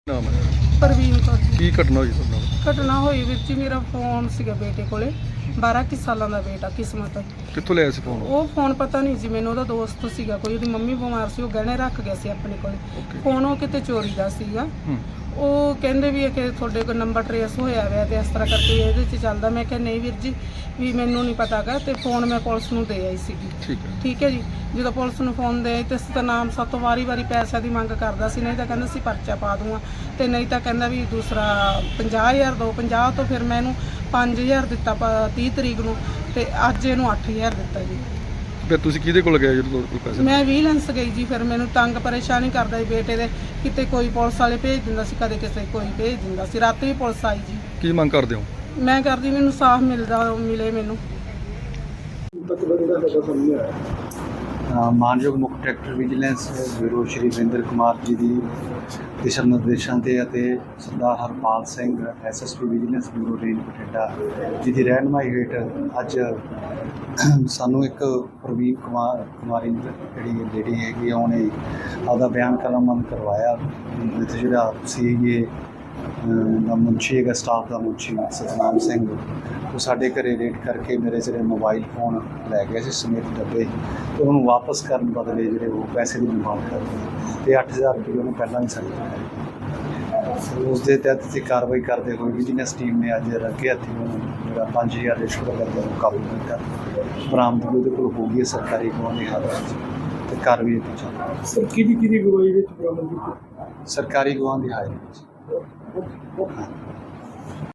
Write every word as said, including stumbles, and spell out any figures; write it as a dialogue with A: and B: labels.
A: ਨਾਮ ਹੈ
B: ਪ੍ਰਵੀਨ ਕੌਰ ਜੀ।
A: ਕੀ ਘਟਨਾ ਹੋਈ ਤੁਹਾਡੇ ਨਾਲ?
B: ਘਟਨਾ ਹੋਈ ਵੀਰ ਜੀ, ਮੇਰਾ ਫੋਨ ਸੀਗਾ ਬੇਟੇ ਕੋਲੇ, ਬਾਰਾਂ ਕੁ ਸਾਲਾਂ ਦਾ ਬੇਟਾ ਕਿਸਮਤ।
A: ਕਿੱਥੋਂ ਲਿਆ ਸੀ ਫੋਨ?
B: ਉਹ ਫੋਨ ਪਤਾ ਨਹੀਂ ਜੀ ਮੈਨੂੰ, ਉਹਦਾ ਦੋਸਤ ਸੀਗਾ ਕੋਈ, ਉਹਦੀ ਮੰਮੀ ਬਿਮਾਰ ਸੀ, ਉਹ ਗਹਿਣੇ ਰੱਖ ਗਿਆ ਸੀ ਆਪਣੇ ਕੋਲੇ।
A: Okay.
B: ਫੋਨ ਉਹ ਕਿਤੇ ਚੋਰੀ ਦਾ ਸੀਗਾ।
A: ਹੂੰ
B: ਉਹ ਕਹਿੰਦੇ ਵੀ ਇਹ ਕਿ ਤੁਹਾਡੇ ਕੋਲ ਨੰਬਰ ਟਰੇਸ ਹੋਇਆ ਹੋਇਆ ਤੇ ਇਸ ਤਰ੍ਹਾਂ ਕਰਕੇ ਇਹਦੇ 'ਚ ਚੱਲਦਾ। ਮੈਂ ਕਿਹਾ ਨਹੀਂ ਵੀਰ ਜੀ, ਵੀ ਮੈਨੂੰ ਨਹੀਂ ਪਤਾਗਾ, ਤੇ ਫੋਨ ਮੈਂ ਪੁਲਿਸ ਨੂੰ ਦੇ ਆਈ ਸੀਗੀ।
A: ਠੀਕ ਹੈ
B: ਠੀਕ ਹੈ ਜੀ। ਜਦੋਂ ਪੁਲਿਸ ਨੂੰ ਫੋਨ ਦੇ ਆਈ ਤੇ ਸਤਨਾਮ ਸਾਤੋਂ ਵਾਰੀ ਵਾਰੀ ਪੈਸਿਆਂ ਦੀ ਮੰਗ ਕਰਦਾ ਸੀ, ਨਹੀਂ ਤਾਂ ਕਹਿੰਦਾ ਸੀ ਪਰਚਾ ਪਾ ਦੂੰਗਾ, ਤੇ ਨਹੀਂ ਤਾਂ ਕਹਿੰਦਾ ਵੀ ਦੂਸਰਾ ਪੰਜਾਹ ਹਜ਼ਾਰ ਦੋ ਪੰਜਾਹ ਤੋਂ ਫਿਰ ਮੈਂ ਇਹਨੂੰ ਪੰਜ ਹਜ਼ਾਰ ਦਿੱਤਾ ਪ- ਤੀਹ ਤਰੀਕ ਨੂੰ, ਤੇ ਅੱਜ ਇਹਨੂੰ ਅੱਠ ਹਜ਼ਾਰ ਦਿੱਤਾ ਜੀ।
A: ਫਿਰ ਤੁਸੀਂ ਕਿਹਦੇ ਕੋਲ ਗਏ ਜਦੋਂ ਤੁਹਾਡੇ ਕੋਲ ਪੈਸੇ?
B: ਮੈਂ ਵਿਜੀਲੈਂਸ ਗਈ ਜੀ, ਫਿਰ ਮੈਨੂੰ ਤੰਗ ਪਰੇਸ਼ਾਨੀ ਕਰਦਾ ਸੀ ਬੇਟੇ ਦੇ, ਕਿਤੇ ਕੋਈ ਪੁਲਿਸ ਵਾਲੇ ਭੇਜ ਦਿੰਦਾ ਸੀ, ਕਦੇ ਕਿਸੇ ਕੋਈ ਭੇਜ ਦਿੰਦਾ ਸੀ। ਰਾਤੀ ਵੀ ਪੁਲਿਸ ਆਈ ਜੀ।
A: ਕੀ ਮੰਗ ਕਰਦੇ ਹੋ?
B: ਮੈਂ ਕਰਦੀ ਮੈਨੂੰ ਸਾਫ਼ ਮਿਲਦਾ ਮਿਲੇ ਮੈਨੂੰ।
C: ਅ, ਮਾਨਯੋਗ ਮੁੱਖ director vigilance bureau Shri Varinder Kumar ji ਦੀ ਦਿਸ਼ਾ ਨਿਰਦੇਸ਼ਾਂ 'ਤੇ ਅਤੇ Sardar Harpal Singh SSP vigilance bureau range Bathinda ji ਦੀ ਰਹਿਨੁਮਾਈ ਹੇਠ ਅੱਜ ਸਾਨੂੰ ਇੱਕ ਪ੍ਰਵੀਨ ਕੁਮਾਰ ਕੁਮਾਰੀ ਜਿਹੜੀ ਲੇਡੀ ਹੈਗੀ ਆ, ਉਹਨੇ ਆਪਦਾ ਬਿਆਨ ਕਲਮਬੰਦ ਕਰਵਾਇਆ ਵਿੱਚ ਜਿਹੜਾ ਸੀ ਇਹ ਦਾ ਮੁਨਸ਼ੀ ਹੈਗਾ, ਸਟਾਫ ਦਾ ਮੁਨਸ਼ੀ ਸਤਨਾਮ ਸਿੰਘ, ਉਹ ਸਾਡੇ ਘਰੇ ਰੇਡ ਕਰਕੇ ਮੇਰੇ ਜਿਹੜੇ ਮੋਬਾਈਲ ਫੋਨ ਲੈ ਗਿਆ ਸੀ ਸਮੇਤ ਡੱਬੇ, ਤੇ ਉਹਨੂੰ ਵਾਪਸ ਕਰਨ ਬਦਲੇ ਜਿਹੜੇ ਉਹ ਪੈਸੇ ਦੀ ਡਿਮਾਂਡ ਕਰਦੇ ਤੇ ਅੱਠ ਹਜ਼ਾਰ ਰੁਪਏ ਉਹਨੇ ਪਹਿਲਾਂ ਹੀ ਸਾਡੇ ਦਿੱਤੇ। ਉਸ ਦੇ ਤਹਿਤ ਅਸੀਂ ਕਾਰਵਾਈ ਕਰਦੇ ਹੋਏ ਵਿਜੀਲੈਂਸ ਟੀਮ ਨੇ ਅੱਜ ਰੱਗੇ ਹੱਥੀਂ ਉਹਨੂੰ ਜਿਹੜਾ ਪੰਜ ਹਜ਼ਾਰ ਰਿਸ਼ਵਤ ਕਰਦੇ ਨੂੰ ਕਾਬੂ ਕੀਤਾ। ਬਰਾਮਦਗੀ ਉਹਦੇ ਕੋਲ ਹੋ ਗਈ ਹੈ ਸਰਕਾਰੀ ਗਵਾਹ ਦੀ ਹਾਲਤ ਤੇ ਕਾਰਵਾਈ ਅੱਗੇ ਚੱਲ ਰਹੀ ਹੈ।
D: ਸਰ ਕਿਹਦੀ ਕਿਹਦੀ ਗਵਾਹੀ ਵਿੱਚ ਬਰਾਮਦ ਕੀਤੀ?
C: ਸਰਕਾਰੀ ਗਵਾਹ ਦੀ ਹਾਜ਼ਰੀ ਵਿੱਚ।